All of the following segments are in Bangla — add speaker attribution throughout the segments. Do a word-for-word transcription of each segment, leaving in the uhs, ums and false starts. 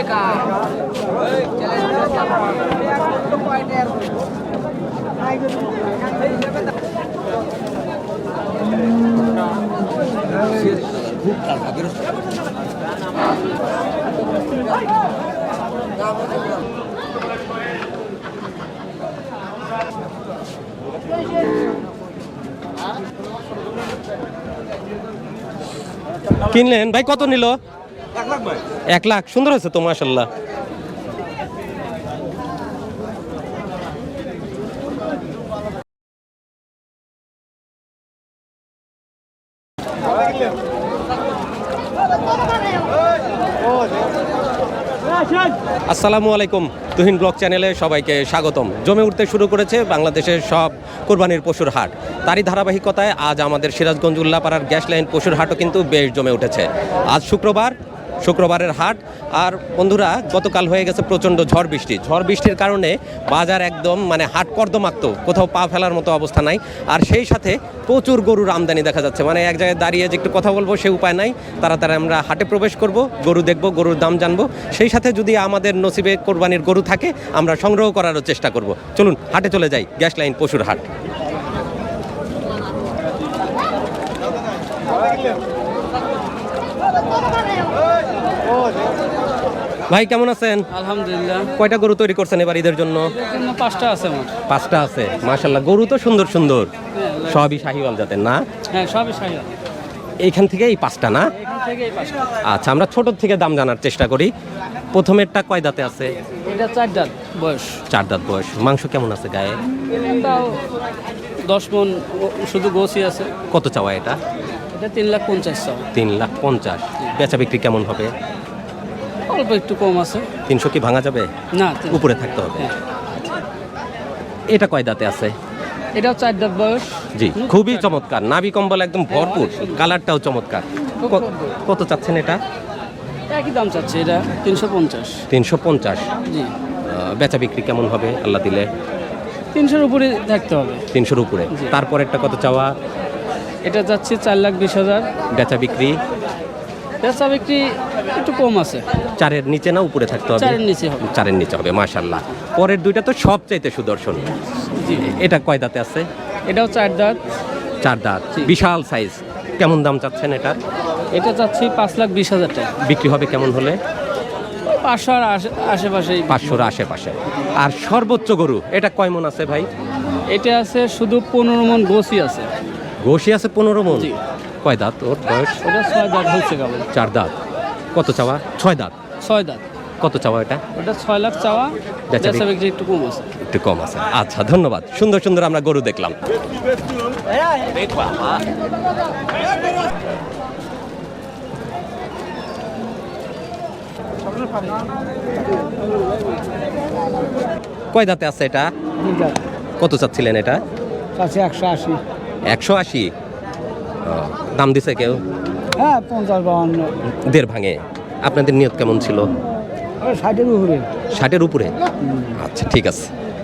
Speaker 1: কিনলেন ভাই? কত নিল? এক লাখ। সুন্দর হয়েছে তো মাশাআল্লাহ। আসসালামু আলাইকুম, তুহিন ব্লগ চ্যানেলে সবাইকে স্বাগতম। জমে উঠতে শুরু করেছে বাংলাদেশের সব কোরবানির পশুর হাট। তারই ধারাবাহিকতায় আজ আমাদের সিরাজগঞ্জ উল্লাপাড়ার গ্যাস লাইন পশুর হাটও কিন্তু বেশ জমে উঠেছে। আজ শুক্রবার, শুক্রবারের হাট। আর বন্ধুরা, গতকাল হয়ে গেছে প্রচণ্ড ঝড় বৃষ্টি। ঝড় বৃষ্টির কারণে বাজার একদম মানে হাট কর্দমাক্ত, কোথাও পা ফেলার মতো অবস্থা নাই। আর সেই সাথে প্রচুর গরুর আমদানি দেখা যাচ্ছে। মানে এক জায়গায় দাঁড়িয়ে যে একটু কথা বলবো সে উপায় নাই। তাড়াতাড়ি আমরা হাটে প্রবেশ করব, গরু দেখব, গরুর দাম জানবো। সেই সাথে যদি আমাদের নসিবে কোরবানির গরু থাকে আমরা সংগ্রহ করারও চেষ্টা করব। চলুন হাটে চলে যাই, গ্যাস লাইন পশুর হাট। ভাই কেমন আছেন?
Speaker 2: আলহামদুলিল্লাহ।
Speaker 1: কয়টা গরু তৈরি করছেন এবার ঈদের জন্য?
Speaker 2: পাঁচটা আছে।
Speaker 1: পাঁচটা আছে, মাশাআল্লাহ। গরু তো সুন্দর সুন্দর, সবই শাহিওয়াল জাতের না?
Speaker 2: হ্যাঁ, সবই শাহিওয়াল।
Speaker 1: এইখান থেকে এই পাঁচটা না?
Speaker 2: এখান থেকে এই পাঁচটা।
Speaker 1: আচ্ছা, আমরা ছোট থেকে দাম জানার চেষ্টা করি। প্রথমেরটা কয় দাঁতে আছে?
Speaker 2: এটা চার দাঁত বয়স।
Speaker 1: চার দাঁত বয়স। মাংস কেমন আছে গায়ে?
Speaker 2: তাও দশ মন শুধু গোসি আছে।
Speaker 1: কত চাওয়া এটা?
Speaker 2: এটা তিন লাখ পঞ্চাশ চাওয়া।
Speaker 1: তিন লাখ পঞ্চাশ। বেচা বিক্রি কেমন হবে?
Speaker 2: অল্প একটু কম আছে।
Speaker 1: তিনশো কি ভাঙা যাবে?
Speaker 2: না,
Speaker 1: উপরে থাকতে হবে। এটা কয় দাঁতে আছে?
Speaker 2: এটাও চার দাঁত বয়স।
Speaker 1: জি, খুবই চমৎকার। নাভি কম্বল একদম ভরপুর, কালারটাও চমৎকার। কত চাচ্ছেন এটা?
Speaker 2: একই দাম চাচ্ছে, এটা তিনশো পঞ্চাশ।
Speaker 1: তিনশো পঞ্চাশ।
Speaker 2: জি।
Speaker 1: বেচা বিক্রি কেমন হবে আল্লাহ দিলে?
Speaker 2: তিনশোর উপরে থাকতে হবে।
Speaker 1: তিনশোর উপরে। তারপর একটা কত চাওয়া?
Speaker 2: এটা যাচ্ছে চার লাখ বিশ হাজার।
Speaker 1: বেচা বিক্রি?
Speaker 2: বেচা বিক্রি একটু কম আছে।
Speaker 1: চারের নিচে না উপরে থাকতে হবে?
Speaker 2: চারের নিচে হবে।
Speaker 1: চারের নিচে হবে, মাশাআল্লাহ। পরের দুইটা তো সবচাইতে সুদর্শন।
Speaker 2: জি।
Speaker 1: এটা কয় দাঁতে আছে?
Speaker 2: এটাও চার দাঁত।
Speaker 1: চার দাঁত, বিশাল সাইজ। কেমন দাম চাচ্ছেন এটা?
Speaker 2: এটা চাচ্ছি পাঁচ লাখ বিশ হাজার টাকা।
Speaker 1: বিক্রি হবে কেমন হলে?
Speaker 2: পাঁচশো আর আশেপাশে।
Speaker 1: পাঁচশোর আশেপাশে। আর সর্বোচ্চ গরু এটা কয় মন আছে ভাই?
Speaker 2: এটা আছে শুধু পনেরো মন গোসি আছে।
Speaker 1: গোসি আছে পনেরো মন?
Speaker 2: জি।
Speaker 1: কয় দাঁত ওর বয়স?
Speaker 2: ওটা ছয় দাঁত হচ্ছে কেবল।
Speaker 1: চার দাঁত। কত চাওয়া? ছয় দাঁত।
Speaker 2: ছয় দাঁত।
Speaker 1: কত চাওয়া এটা?
Speaker 2: ওটা ছয় লাখ চাওয়া। বেচা বিক্রি একটু কম আছে।
Speaker 1: একটু কম আছে। আচ্ছা, ধন্যবাদ। সুন্দর সুন্দর আমরা গরু দেখলাম। কয় দাঁতে আছে এটা? কত চাচ্ছিলেন এটা?
Speaker 2: একশো আশি।
Speaker 1: একশো আশি। দাম দিছে কেউ?
Speaker 2: হ্যাঁ, পঞ্চাশ বাউন্ন।
Speaker 1: দেড় ভাঙে। আপনাদের নিয়ত কেমন ছিল?
Speaker 2: ষাটের উপরে।
Speaker 1: ষাটের উপরে? আচ্ছা, ঠিক আছে।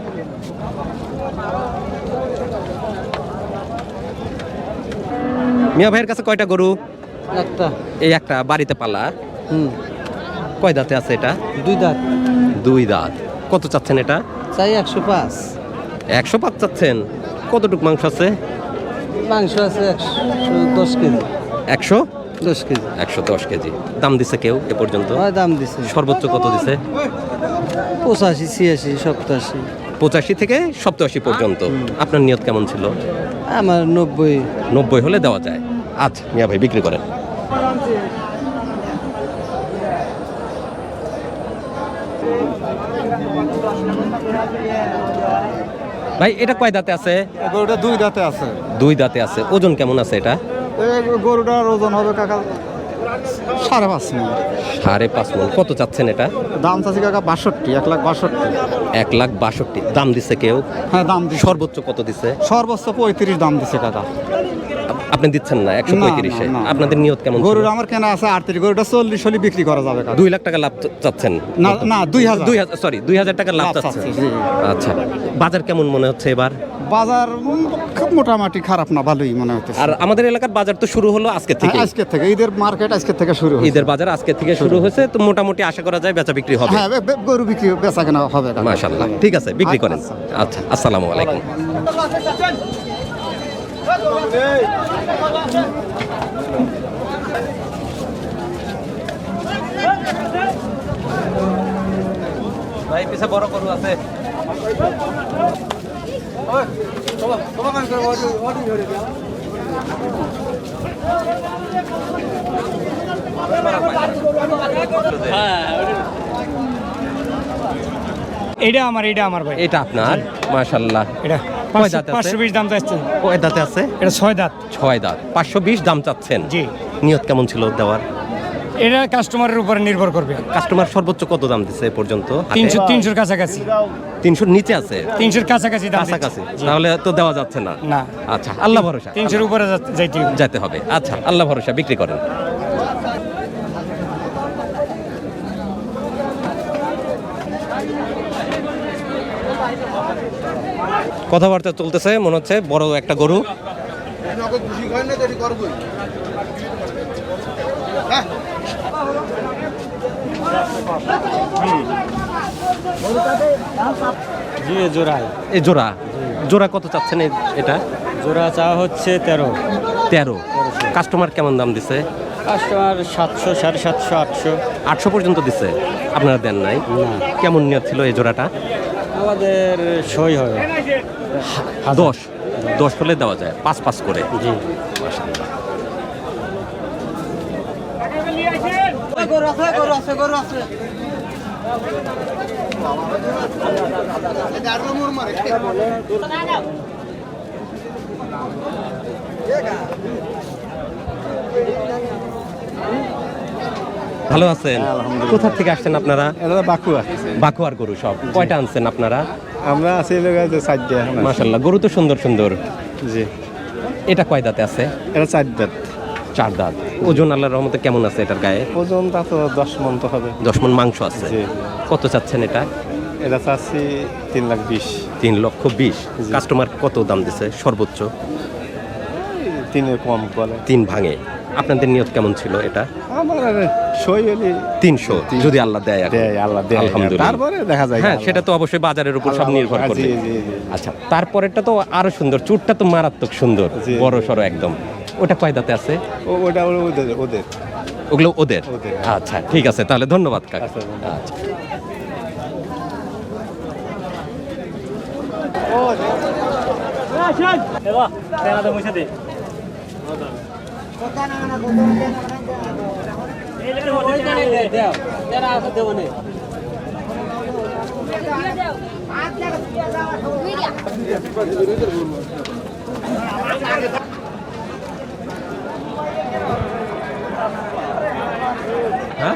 Speaker 1: মিয়া ভাইয়ের কাছে কয়টা গরু?
Speaker 2: একটা।
Speaker 1: এই একটা বাড়িতে পালা।
Speaker 2: হুম।
Speaker 1: কয় দাঁতে আছে এটা?
Speaker 2: দুই দাঁত।
Speaker 1: দুই দাঁত। কত চাচ্ছেন এটা?
Speaker 2: চাই একশো পাঁচ।
Speaker 1: একশো পাঁচ চাচ্ছেন? কতটুক মাংস আছে?
Speaker 2: মাংস আছে একশো দশ কেজি।
Speaker 1: একশো
Speaker 2: দশ কেজি।
Speaker 1: একশো দশ কেজি। দাম দিছে কেউ এ পর্যন্ত?
Speaker 2: দাম দিছে।
Speaker 1: সর্বোচ্চ কত দিছে?
Speaker 2: পঁচাশি, ছিয়াশি, সপ্তাশি।
Speaker 1: পঁচাশি থেকে সপ্তাশি পর্যন্ত। আপনার নিয়ত কেমন ছিল?
Speaker 2: আমার নব্বই।
Speaker 1: নব্বই হলে দেওয়া যায়। আচ্ছা মিয়া ভাই, বিক্রি করেন। ভাই এটা কয় দাঁতে আছে?
Speaker 3: গরুটা দুই দাঁতে আছে।
Speaker 1: দুই দাঁতে আছে। ওজন কেমন আছে এটা?
Speaker 3: গরুটার ওজন হবে কাকা সাড়ে পাঁচ মন।
Speaker 1: সাড়ে পাঁচ মন। কত চাচ্ছেন এটা?
Speaker 3: দাম চাচ্ছি কাকা বাষট্টি, এক লাখ বাষট্টি।
Speaker 1: এক লাখ বাষট্টি। দাম দিছে কেউ?
Speaker 3: হ্যাঁ, দাম দিছে।
Speaker 1: সর্বোচ্চ কত দিছে?
Speaker 3: সর্বোচ্চ পঁয়ত্রিশ দাম দিছে কাকা।
Speaker 1: আপনি দিচ্ছেন না একশো পঁয়ত্রিশে,
Speaker 3: না, না, না।
Speaker 1: আপনাদের নিয়ত কেমন ছিল?
Speaker 3: গরুর আমার কেনা আছে আটত্রিশ, গরুটা চল্লিশ হলে বিক্রি করা যাবে কাকা।
Speaker 1: দুই লাখ টাকা লাভ চ- চাচ্ছেন?
Speaker 3: না না দুই হাজার
Speaker 1: দুই হাজার সরি দুই হাজার টাকা লাভ
Speaker 3: লাভ
Speaker 1: চাচ্ছেন।
Speaker 3: চাচ্ছি, জি।
Speaker 1: আচ্ছা, বাজার কেমন মনে হচ্ছে এবার?
Speaker 3: বাজার উম, খুব মোটামুটি খারাপ না, ভালোই মনে হচ্ছে।
Speaker 1: আর আমাদের এলাকার বাজার তো শুরু হলো আজকে থেকে,
Speaker 3: আজকে থেকে ঈদের মার্কেট আজকে থেকে শুরু হয়েছে।
Speaker 1: ঈদের বাজার আজকে থেকে শুরু হয়েছে, তো মোটামুটি আশা করা যায় বেচা বিক্রি হবে।
Speaker 3: হ্যাঁ বে- বে- গরু বিক্রি বেচা কেনা হবে কাকা।
Speaker 1: মাশাআল্লাহ, ঠিক আছে, বিক্রি করেন।
Speaker 3: আচ্ছা।
Speaker 1: আচ্ছা, আসসালামু আলাইকুম। ভাই পিছে বড় গরু আছে?
Speaker 4: এটা আমার এটা আমার ভাই
Speaker 1: এটা আপনার? মাশাআল্লাহ।
Speaker 4: এটা
Speaker 1: কয় দাঁত আছে?
Speaker 4: পাঁচশো বিশ দাম চাচ্ছেন।
Speaker 1: কয় দাঁতে আছে?
Speaker 4: এটা ছয় দাঁত।
Speaker 1: ছয় দাঁত, পাঁচশো বিশ দাম চাচ্ছেন।
Speaker 4: জি।
Speaker 1: নিয়ত কেমন ছিল দেওয়ার?
Speaker 4: এটা কাস্টমারের উপরে নির্ভর করবে।
Speaker 1: কাস্টমার সর্বোচ্চ কত দাম দিচ্ছে এ পর্যন্ত?
Speaker 4: তিনশো তিনশোর কাছাকাছি
Speaker 1: তিনশোর নিচে আছে?
Speaker 4: তিনশোর কাছাকাছি দাম দিচ্ছে।
Speaker 1: কাছাকাছি,
Speaker 4: জি।
Speaker 1: তাহলে তো দেওয়া যাচ্ছে না।
Speaker 4: না।
Speaker 1: আচ্ছা, আল্লাহ ভরসা।
Speaker 4: তিনশোর উপরে যা- যাইতে হবে।
Speaker 1: যেতে হবে। আচ্ছা, আল্লাহ ভরসা, বিক্রি করেন। কথাবার্তা চলতেছে, মনে হচ্ছে বড় একটা গরু।
Speaker 2: জি জোড়ায়
Speaker 1: এই জোড়া, জোড়া কত চাচ্ছেন এ- এটা?
Speaker 2: জোড়া চা হচ্ছে তেরো।
Speaker 1: তেরো। কাস্টমার কেমন দাম দিছে?
Speaker 2: কাস্টমার সাতশো, সাড়ে সাতশো, আটশো।
Speaker 1: আটশো পর্যন্ত দিছে, আপনারা দেন নাই?
Speaker 2: না,
Speaker 1: কেমন নিয়ত ছিল এই জোড়াটা?
Speaker 2: আমাদের সই হবে।
Speaker 1: দশ, দশ হলে দেওয়া যায়, পাঁচ পাঁচ করে।
Speaker 2: জি।
Speaker 1: ভালো আছেন? কোথা থেকে আসছেন আপনারা?
Speaker 3: এটা বাকুয়া,
Speaker 1: বাকুয়ার গরু সব কয়টা আনছেন আপনারা?
Speaker 3: আমরা আছি লোক চারটে।
Speaker 1: মাশাআল্লাহ, গরু তো সুন্দর সুন্দর।
Speaker 3: জি,
Speaker 1: এটা কয় দাঁতে আছে?
Speaker 3: এটা চার দাঁত।
Speaker 1: চার দাঁত। ওজন আল্লাহর রহমতে কেমন আছে এটার গায়ে?
Speaker 3: ওজন তা তো দশ মন তো হবে।
Speaker 1: দশ মন মাংস আছে।
Speaker 3: জি।
Speaker 1: কত চাচ্ছেন এটা?
Speaker 3: এটা চাচ্ছি তিন লাখ বিশ।
Speaker 1: তিন লক্ষ বিশ।
Speaker 3: জি।
Speaker 1: কাস্টমার কত দাম দিছে সর্বোচ্চ?
Speaker 3: তিনের কম বলে।
Speaker 1: তিন ভাঙে। আপনাদের নিয়ত কেমন ছিল এটা?
Speaker 3: আমার সই হলে
Speaker 1: তিনশো, যদি আল্লাহ দেয় এখন।
Speaker 3: দেয়, আল্লাহ দেয়।
Speaker 1: আলহামদুলিল্লাহ।
Speaker 3: তারপরে দেখা যায়।
Speaker 1: হ্যাঁ, সেটা তো অবশ্যই বাজারের উপর সব নির্ভর
Speaker 3: জি,
Speaker 1: করবে।
Speaker 3: জি, জি।
Speaker 1: আচ্ছা, তারপরেরটা তো আরো সুন্দর, চুটটা তো মারাত্মক সুন্দর,
Speaker 3: জি।
Speaker 1: বড় সড়ো একদম। ওটা কয় দাঁতে আছে?
Speaker 3: ও ওটা ওদের ওদের
Speaker 1: ওগুলো ওদের?
Speaker 3: ওদের।
Speaker 1: আচ্ছা, ঠিক আছে, তাহলে ধন্যবাদ কাকা।
Speaker 3: আচ্ছা, ধন্যবাদ।
Speaker 1: আচ্ছা। হ্যাঁ?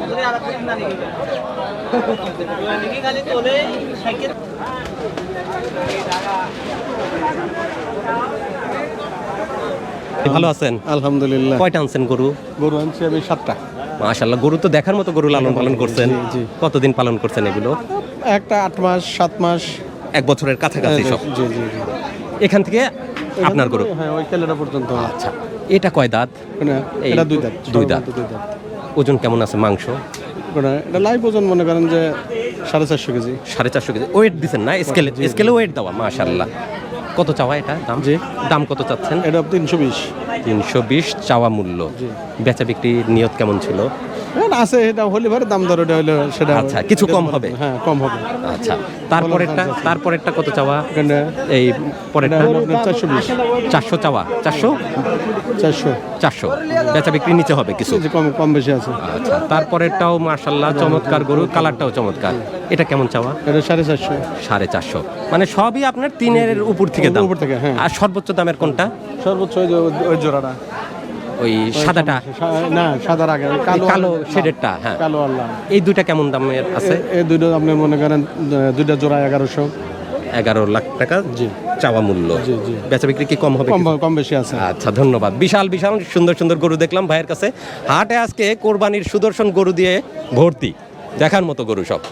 Speaker 1: ভালো আছেন?
Speaker 3: আলহামদুলিল্লাহ।
Speaker 1: কয়টা আনছেন গরু?
Speaker 3: গরু আনছি আমি সাতটা।
Speaker 1: মাশাআল্লাহ, গরু তো দেখার মতো গরু লালন পালন করছেন।
Speaker 3: জি, জি।
Speaker 1: কতদিন পালন করছেন এগুলো?
Speaker 3: একটা আট মাস সাত মাস।
Speaker 1: এক বছরের কাছাকাছি সব।
Speaker 3: জি জি জি।
Speaker 1: এখান থেকে আপনার গরু?
Speaker 3: হ্যাঁ, ওই কেলেটা পর্যন্ত।
Speaker 1: আচ্ছা, এটা কয় দাঁত?
Speaker 3: কোনটা?
Speaker 1: এই
Speaker 3: এটা দুই দাঁত।
Speaker 1: দুই দাঁত।
Speaker 3: দুই দাঁত।
Speaker 1: ওজন কেমন আছে মাংস?
Speaker 3: কোনটা? এটা লাইভ ওজন মনে করেন যে সাড়ে চারশো কেজি।
Speaker 1: সাড়ে চারশো কেজি। ওয়েট দিচ্ছেন না? স্কেলে, স্কেলে ওয়েট দেওয়া। মাশাআল্লাহ। কত চাওয়া এটা দাম?
Speaker 3: জি।
Speaker 1: দাম কত চাচ্ছেন?
Speaker 3: এটা তিনশো বিশ।
Speaker 1: তিনশো বিশ চাওয়া মূল্য।
Speaker 3: জি।
Speaker 1: বেচা বিক্রি নিয়ত কেমন ছিল?
Speaker 3: এটা আছে, এটা হলে পরে দাম দর ওটা হলে সেটা
Speaker 1: আচ্ছা, কিছু কম হবে?
Speaker 3: হ্যাঁ, কম হবে।
Speaker 1: আচ্ছা, তারপরেরটা? তারপরেরটা কত চাওয়া?
Speaker 3: এখানে
Speaker 1: এই পরেরটা?
Speaker 3: এটা হলো আপনার চারশো বিশ।
Speaker 1: চারশো চাওয়া। চারশো?
Speaker 3: চারশো
Speaker 1: চারশো। বেচা বিক্রি নিচে হবে কিছু?
Speaker 3: যে কম কম বেশি আছে।
Speaker 1: আচ্ছা, তারপরেরটাও মাশাআল্লাহ চমৎকার গরু, কালারটাও চমৎকার। এটা কেমন চাওয়া?
Speaker 3: এটা সাড়ে চারশো।
Speaker 1: সাড়ে চারশো। মানে সবই আপনার তিনের উপর থেকে দাম?
Speaker 3: উপর থেকে, হ্যাঁ।
Speaker 1: আর সর্বোচ্চ দামের কোনটা?
Speaker 3: সর্বোচ্চ ওই যে ওই জোড়াটা।
Speaker 1: ওই সাদাটা?
Speaker 3: সা- না, সাদার আগে ওই
Speaker 1: এই
Speaker 3: কালো
Speaker 1: কালো শেডেরটা? হ্যাঁ।
Speaker 3: কালো আল্লাহ।
Speaker 1: এই দুইটা কেমন দামের আছে?
Speaker 3: এ- এই দুটো আপনি মনে করেন আহ, দুইটা জোড়া এগারোশো।
Speaker 1: এগারো লাখ টাকা
Speaker 3: জি।
Speaker 1: চাওয়া মূল্য।
Speaker 3: জি, জি।
Speaker 1: বেচা বিক্রি কি কম হবে
Speaker 3: কম
Speaker 1: কিছু?
Speaker 3: কম বেশি আছে।
Speaker 1: আচ্ছা, ধন্যবাদ। বিশাল বিশাল সুন্দর সুন্দর গরু দেখলাম ভাইয়ের কাছে। হাটে আজকে কোরবানির সুদর্শন গরু দিয়ে ভর্তি, দেখার মতো গরু সব।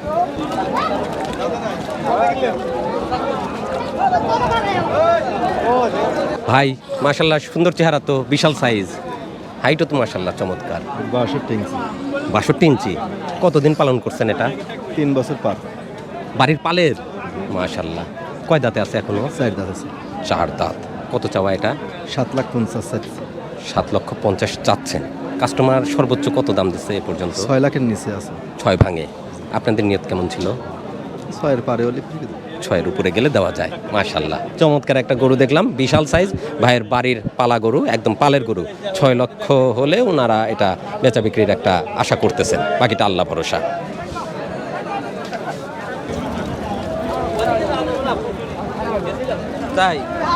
Speaker 1: ভাই মাশাল্লাহ সুন্দর চেহারা তো, বিশাল সাইজ, হাইটও তো মাশাল্লাহ চমৎকার।
Speaker 3: বাষট্টি ইঞ্চি,
Speaker 1: বাষট্টি ইঞ্চি। কতদিন পালন করছেন এটা?
Speaker 3: তিন বছর পার।
Speaker 1: বাড়ির পালের? মাশাল্লাহ। কয় দাঁতে আছে এখনো?
Speaker 3: চার দাঁত আছে।
Speaker 1: চার দাঁত। কত চাওয়া এটা?
Speaker 3: সাত লাখ পঞ্চাশ চাইছে।
Speaker 1: সাত লক্ষ পঞ্চাশ চাচ্ছেন। কাস্টমার সর্বোচ্চ কত দাম দিচ্ছে এ পর্যন্ত?
Speaker 3: ছয় লাখের নিচে আছে।
Speaker 1: ছয় ভাঙে। আপনাদের নিয়ত কেমন ছিল?
Speaker 3: ছয়ের পারে হলে
Speaker 1: ছয়ের উপরে গেলে দেওয়া যায়। মাশাল্লাহ, চমৎকার একটা গরু দেখলাম, বিশাল সাইজ। ভাইয়ের বাড়ির পালা গরু, একদম পালের গরু। ছয় লক্ষ হলে ওনারা এটা বেচা বিক্রির একটা আশা করতেছেন, বাকিটা আল্লাহ ভরসা। তাই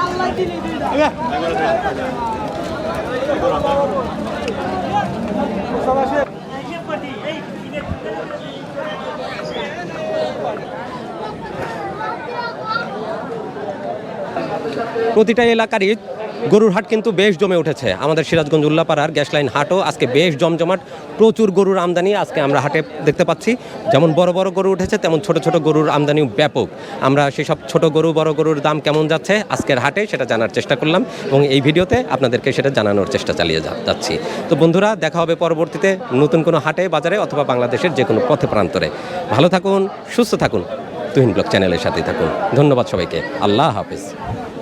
Speaker 1: প্রতিটা এলাকারই গরুর হাট কিন্তু বেশ জমে উঠেছে। আমাদের সিরাজগঞ্জ উল্লাপাড়ার গ্যাস লাইন হাটও আজকে বেশ জমজমাট, প্রচুর গরুর আমদানি আজকে আমরা হাটে দেখতে পাচ্ছি। যেমন বড় বড় গরু উঠেছে, তেমন ছোট ছোট গরুর আমদানিও ব্যাপক। আমরা সেসব ছোট গরু বড় গরুর দাম কেমন যাচ্ছে আজকের হাটে সেটা জানার চেষ্টা করলাম, এবং এই ভিডিওতে আপনাদেরকে সেটা জানানোর চেষ্টা চালিয়ে যা- যাচ্ছি। তো বন্ধুরা, দেখা হবে পরবর্তীতে নতুন কোনো হাটে, বাজারে, অথবা বাংলাদেশের যে কোনো পথে প্রান্তরে। ভালো থাকুন, সুস্থ থাকুন, তুহিন ব্লগ চ্যানেলের সাথেই থাকুন। ধন্যবাদ সবাইকে। আল্লাহ হাফেজ।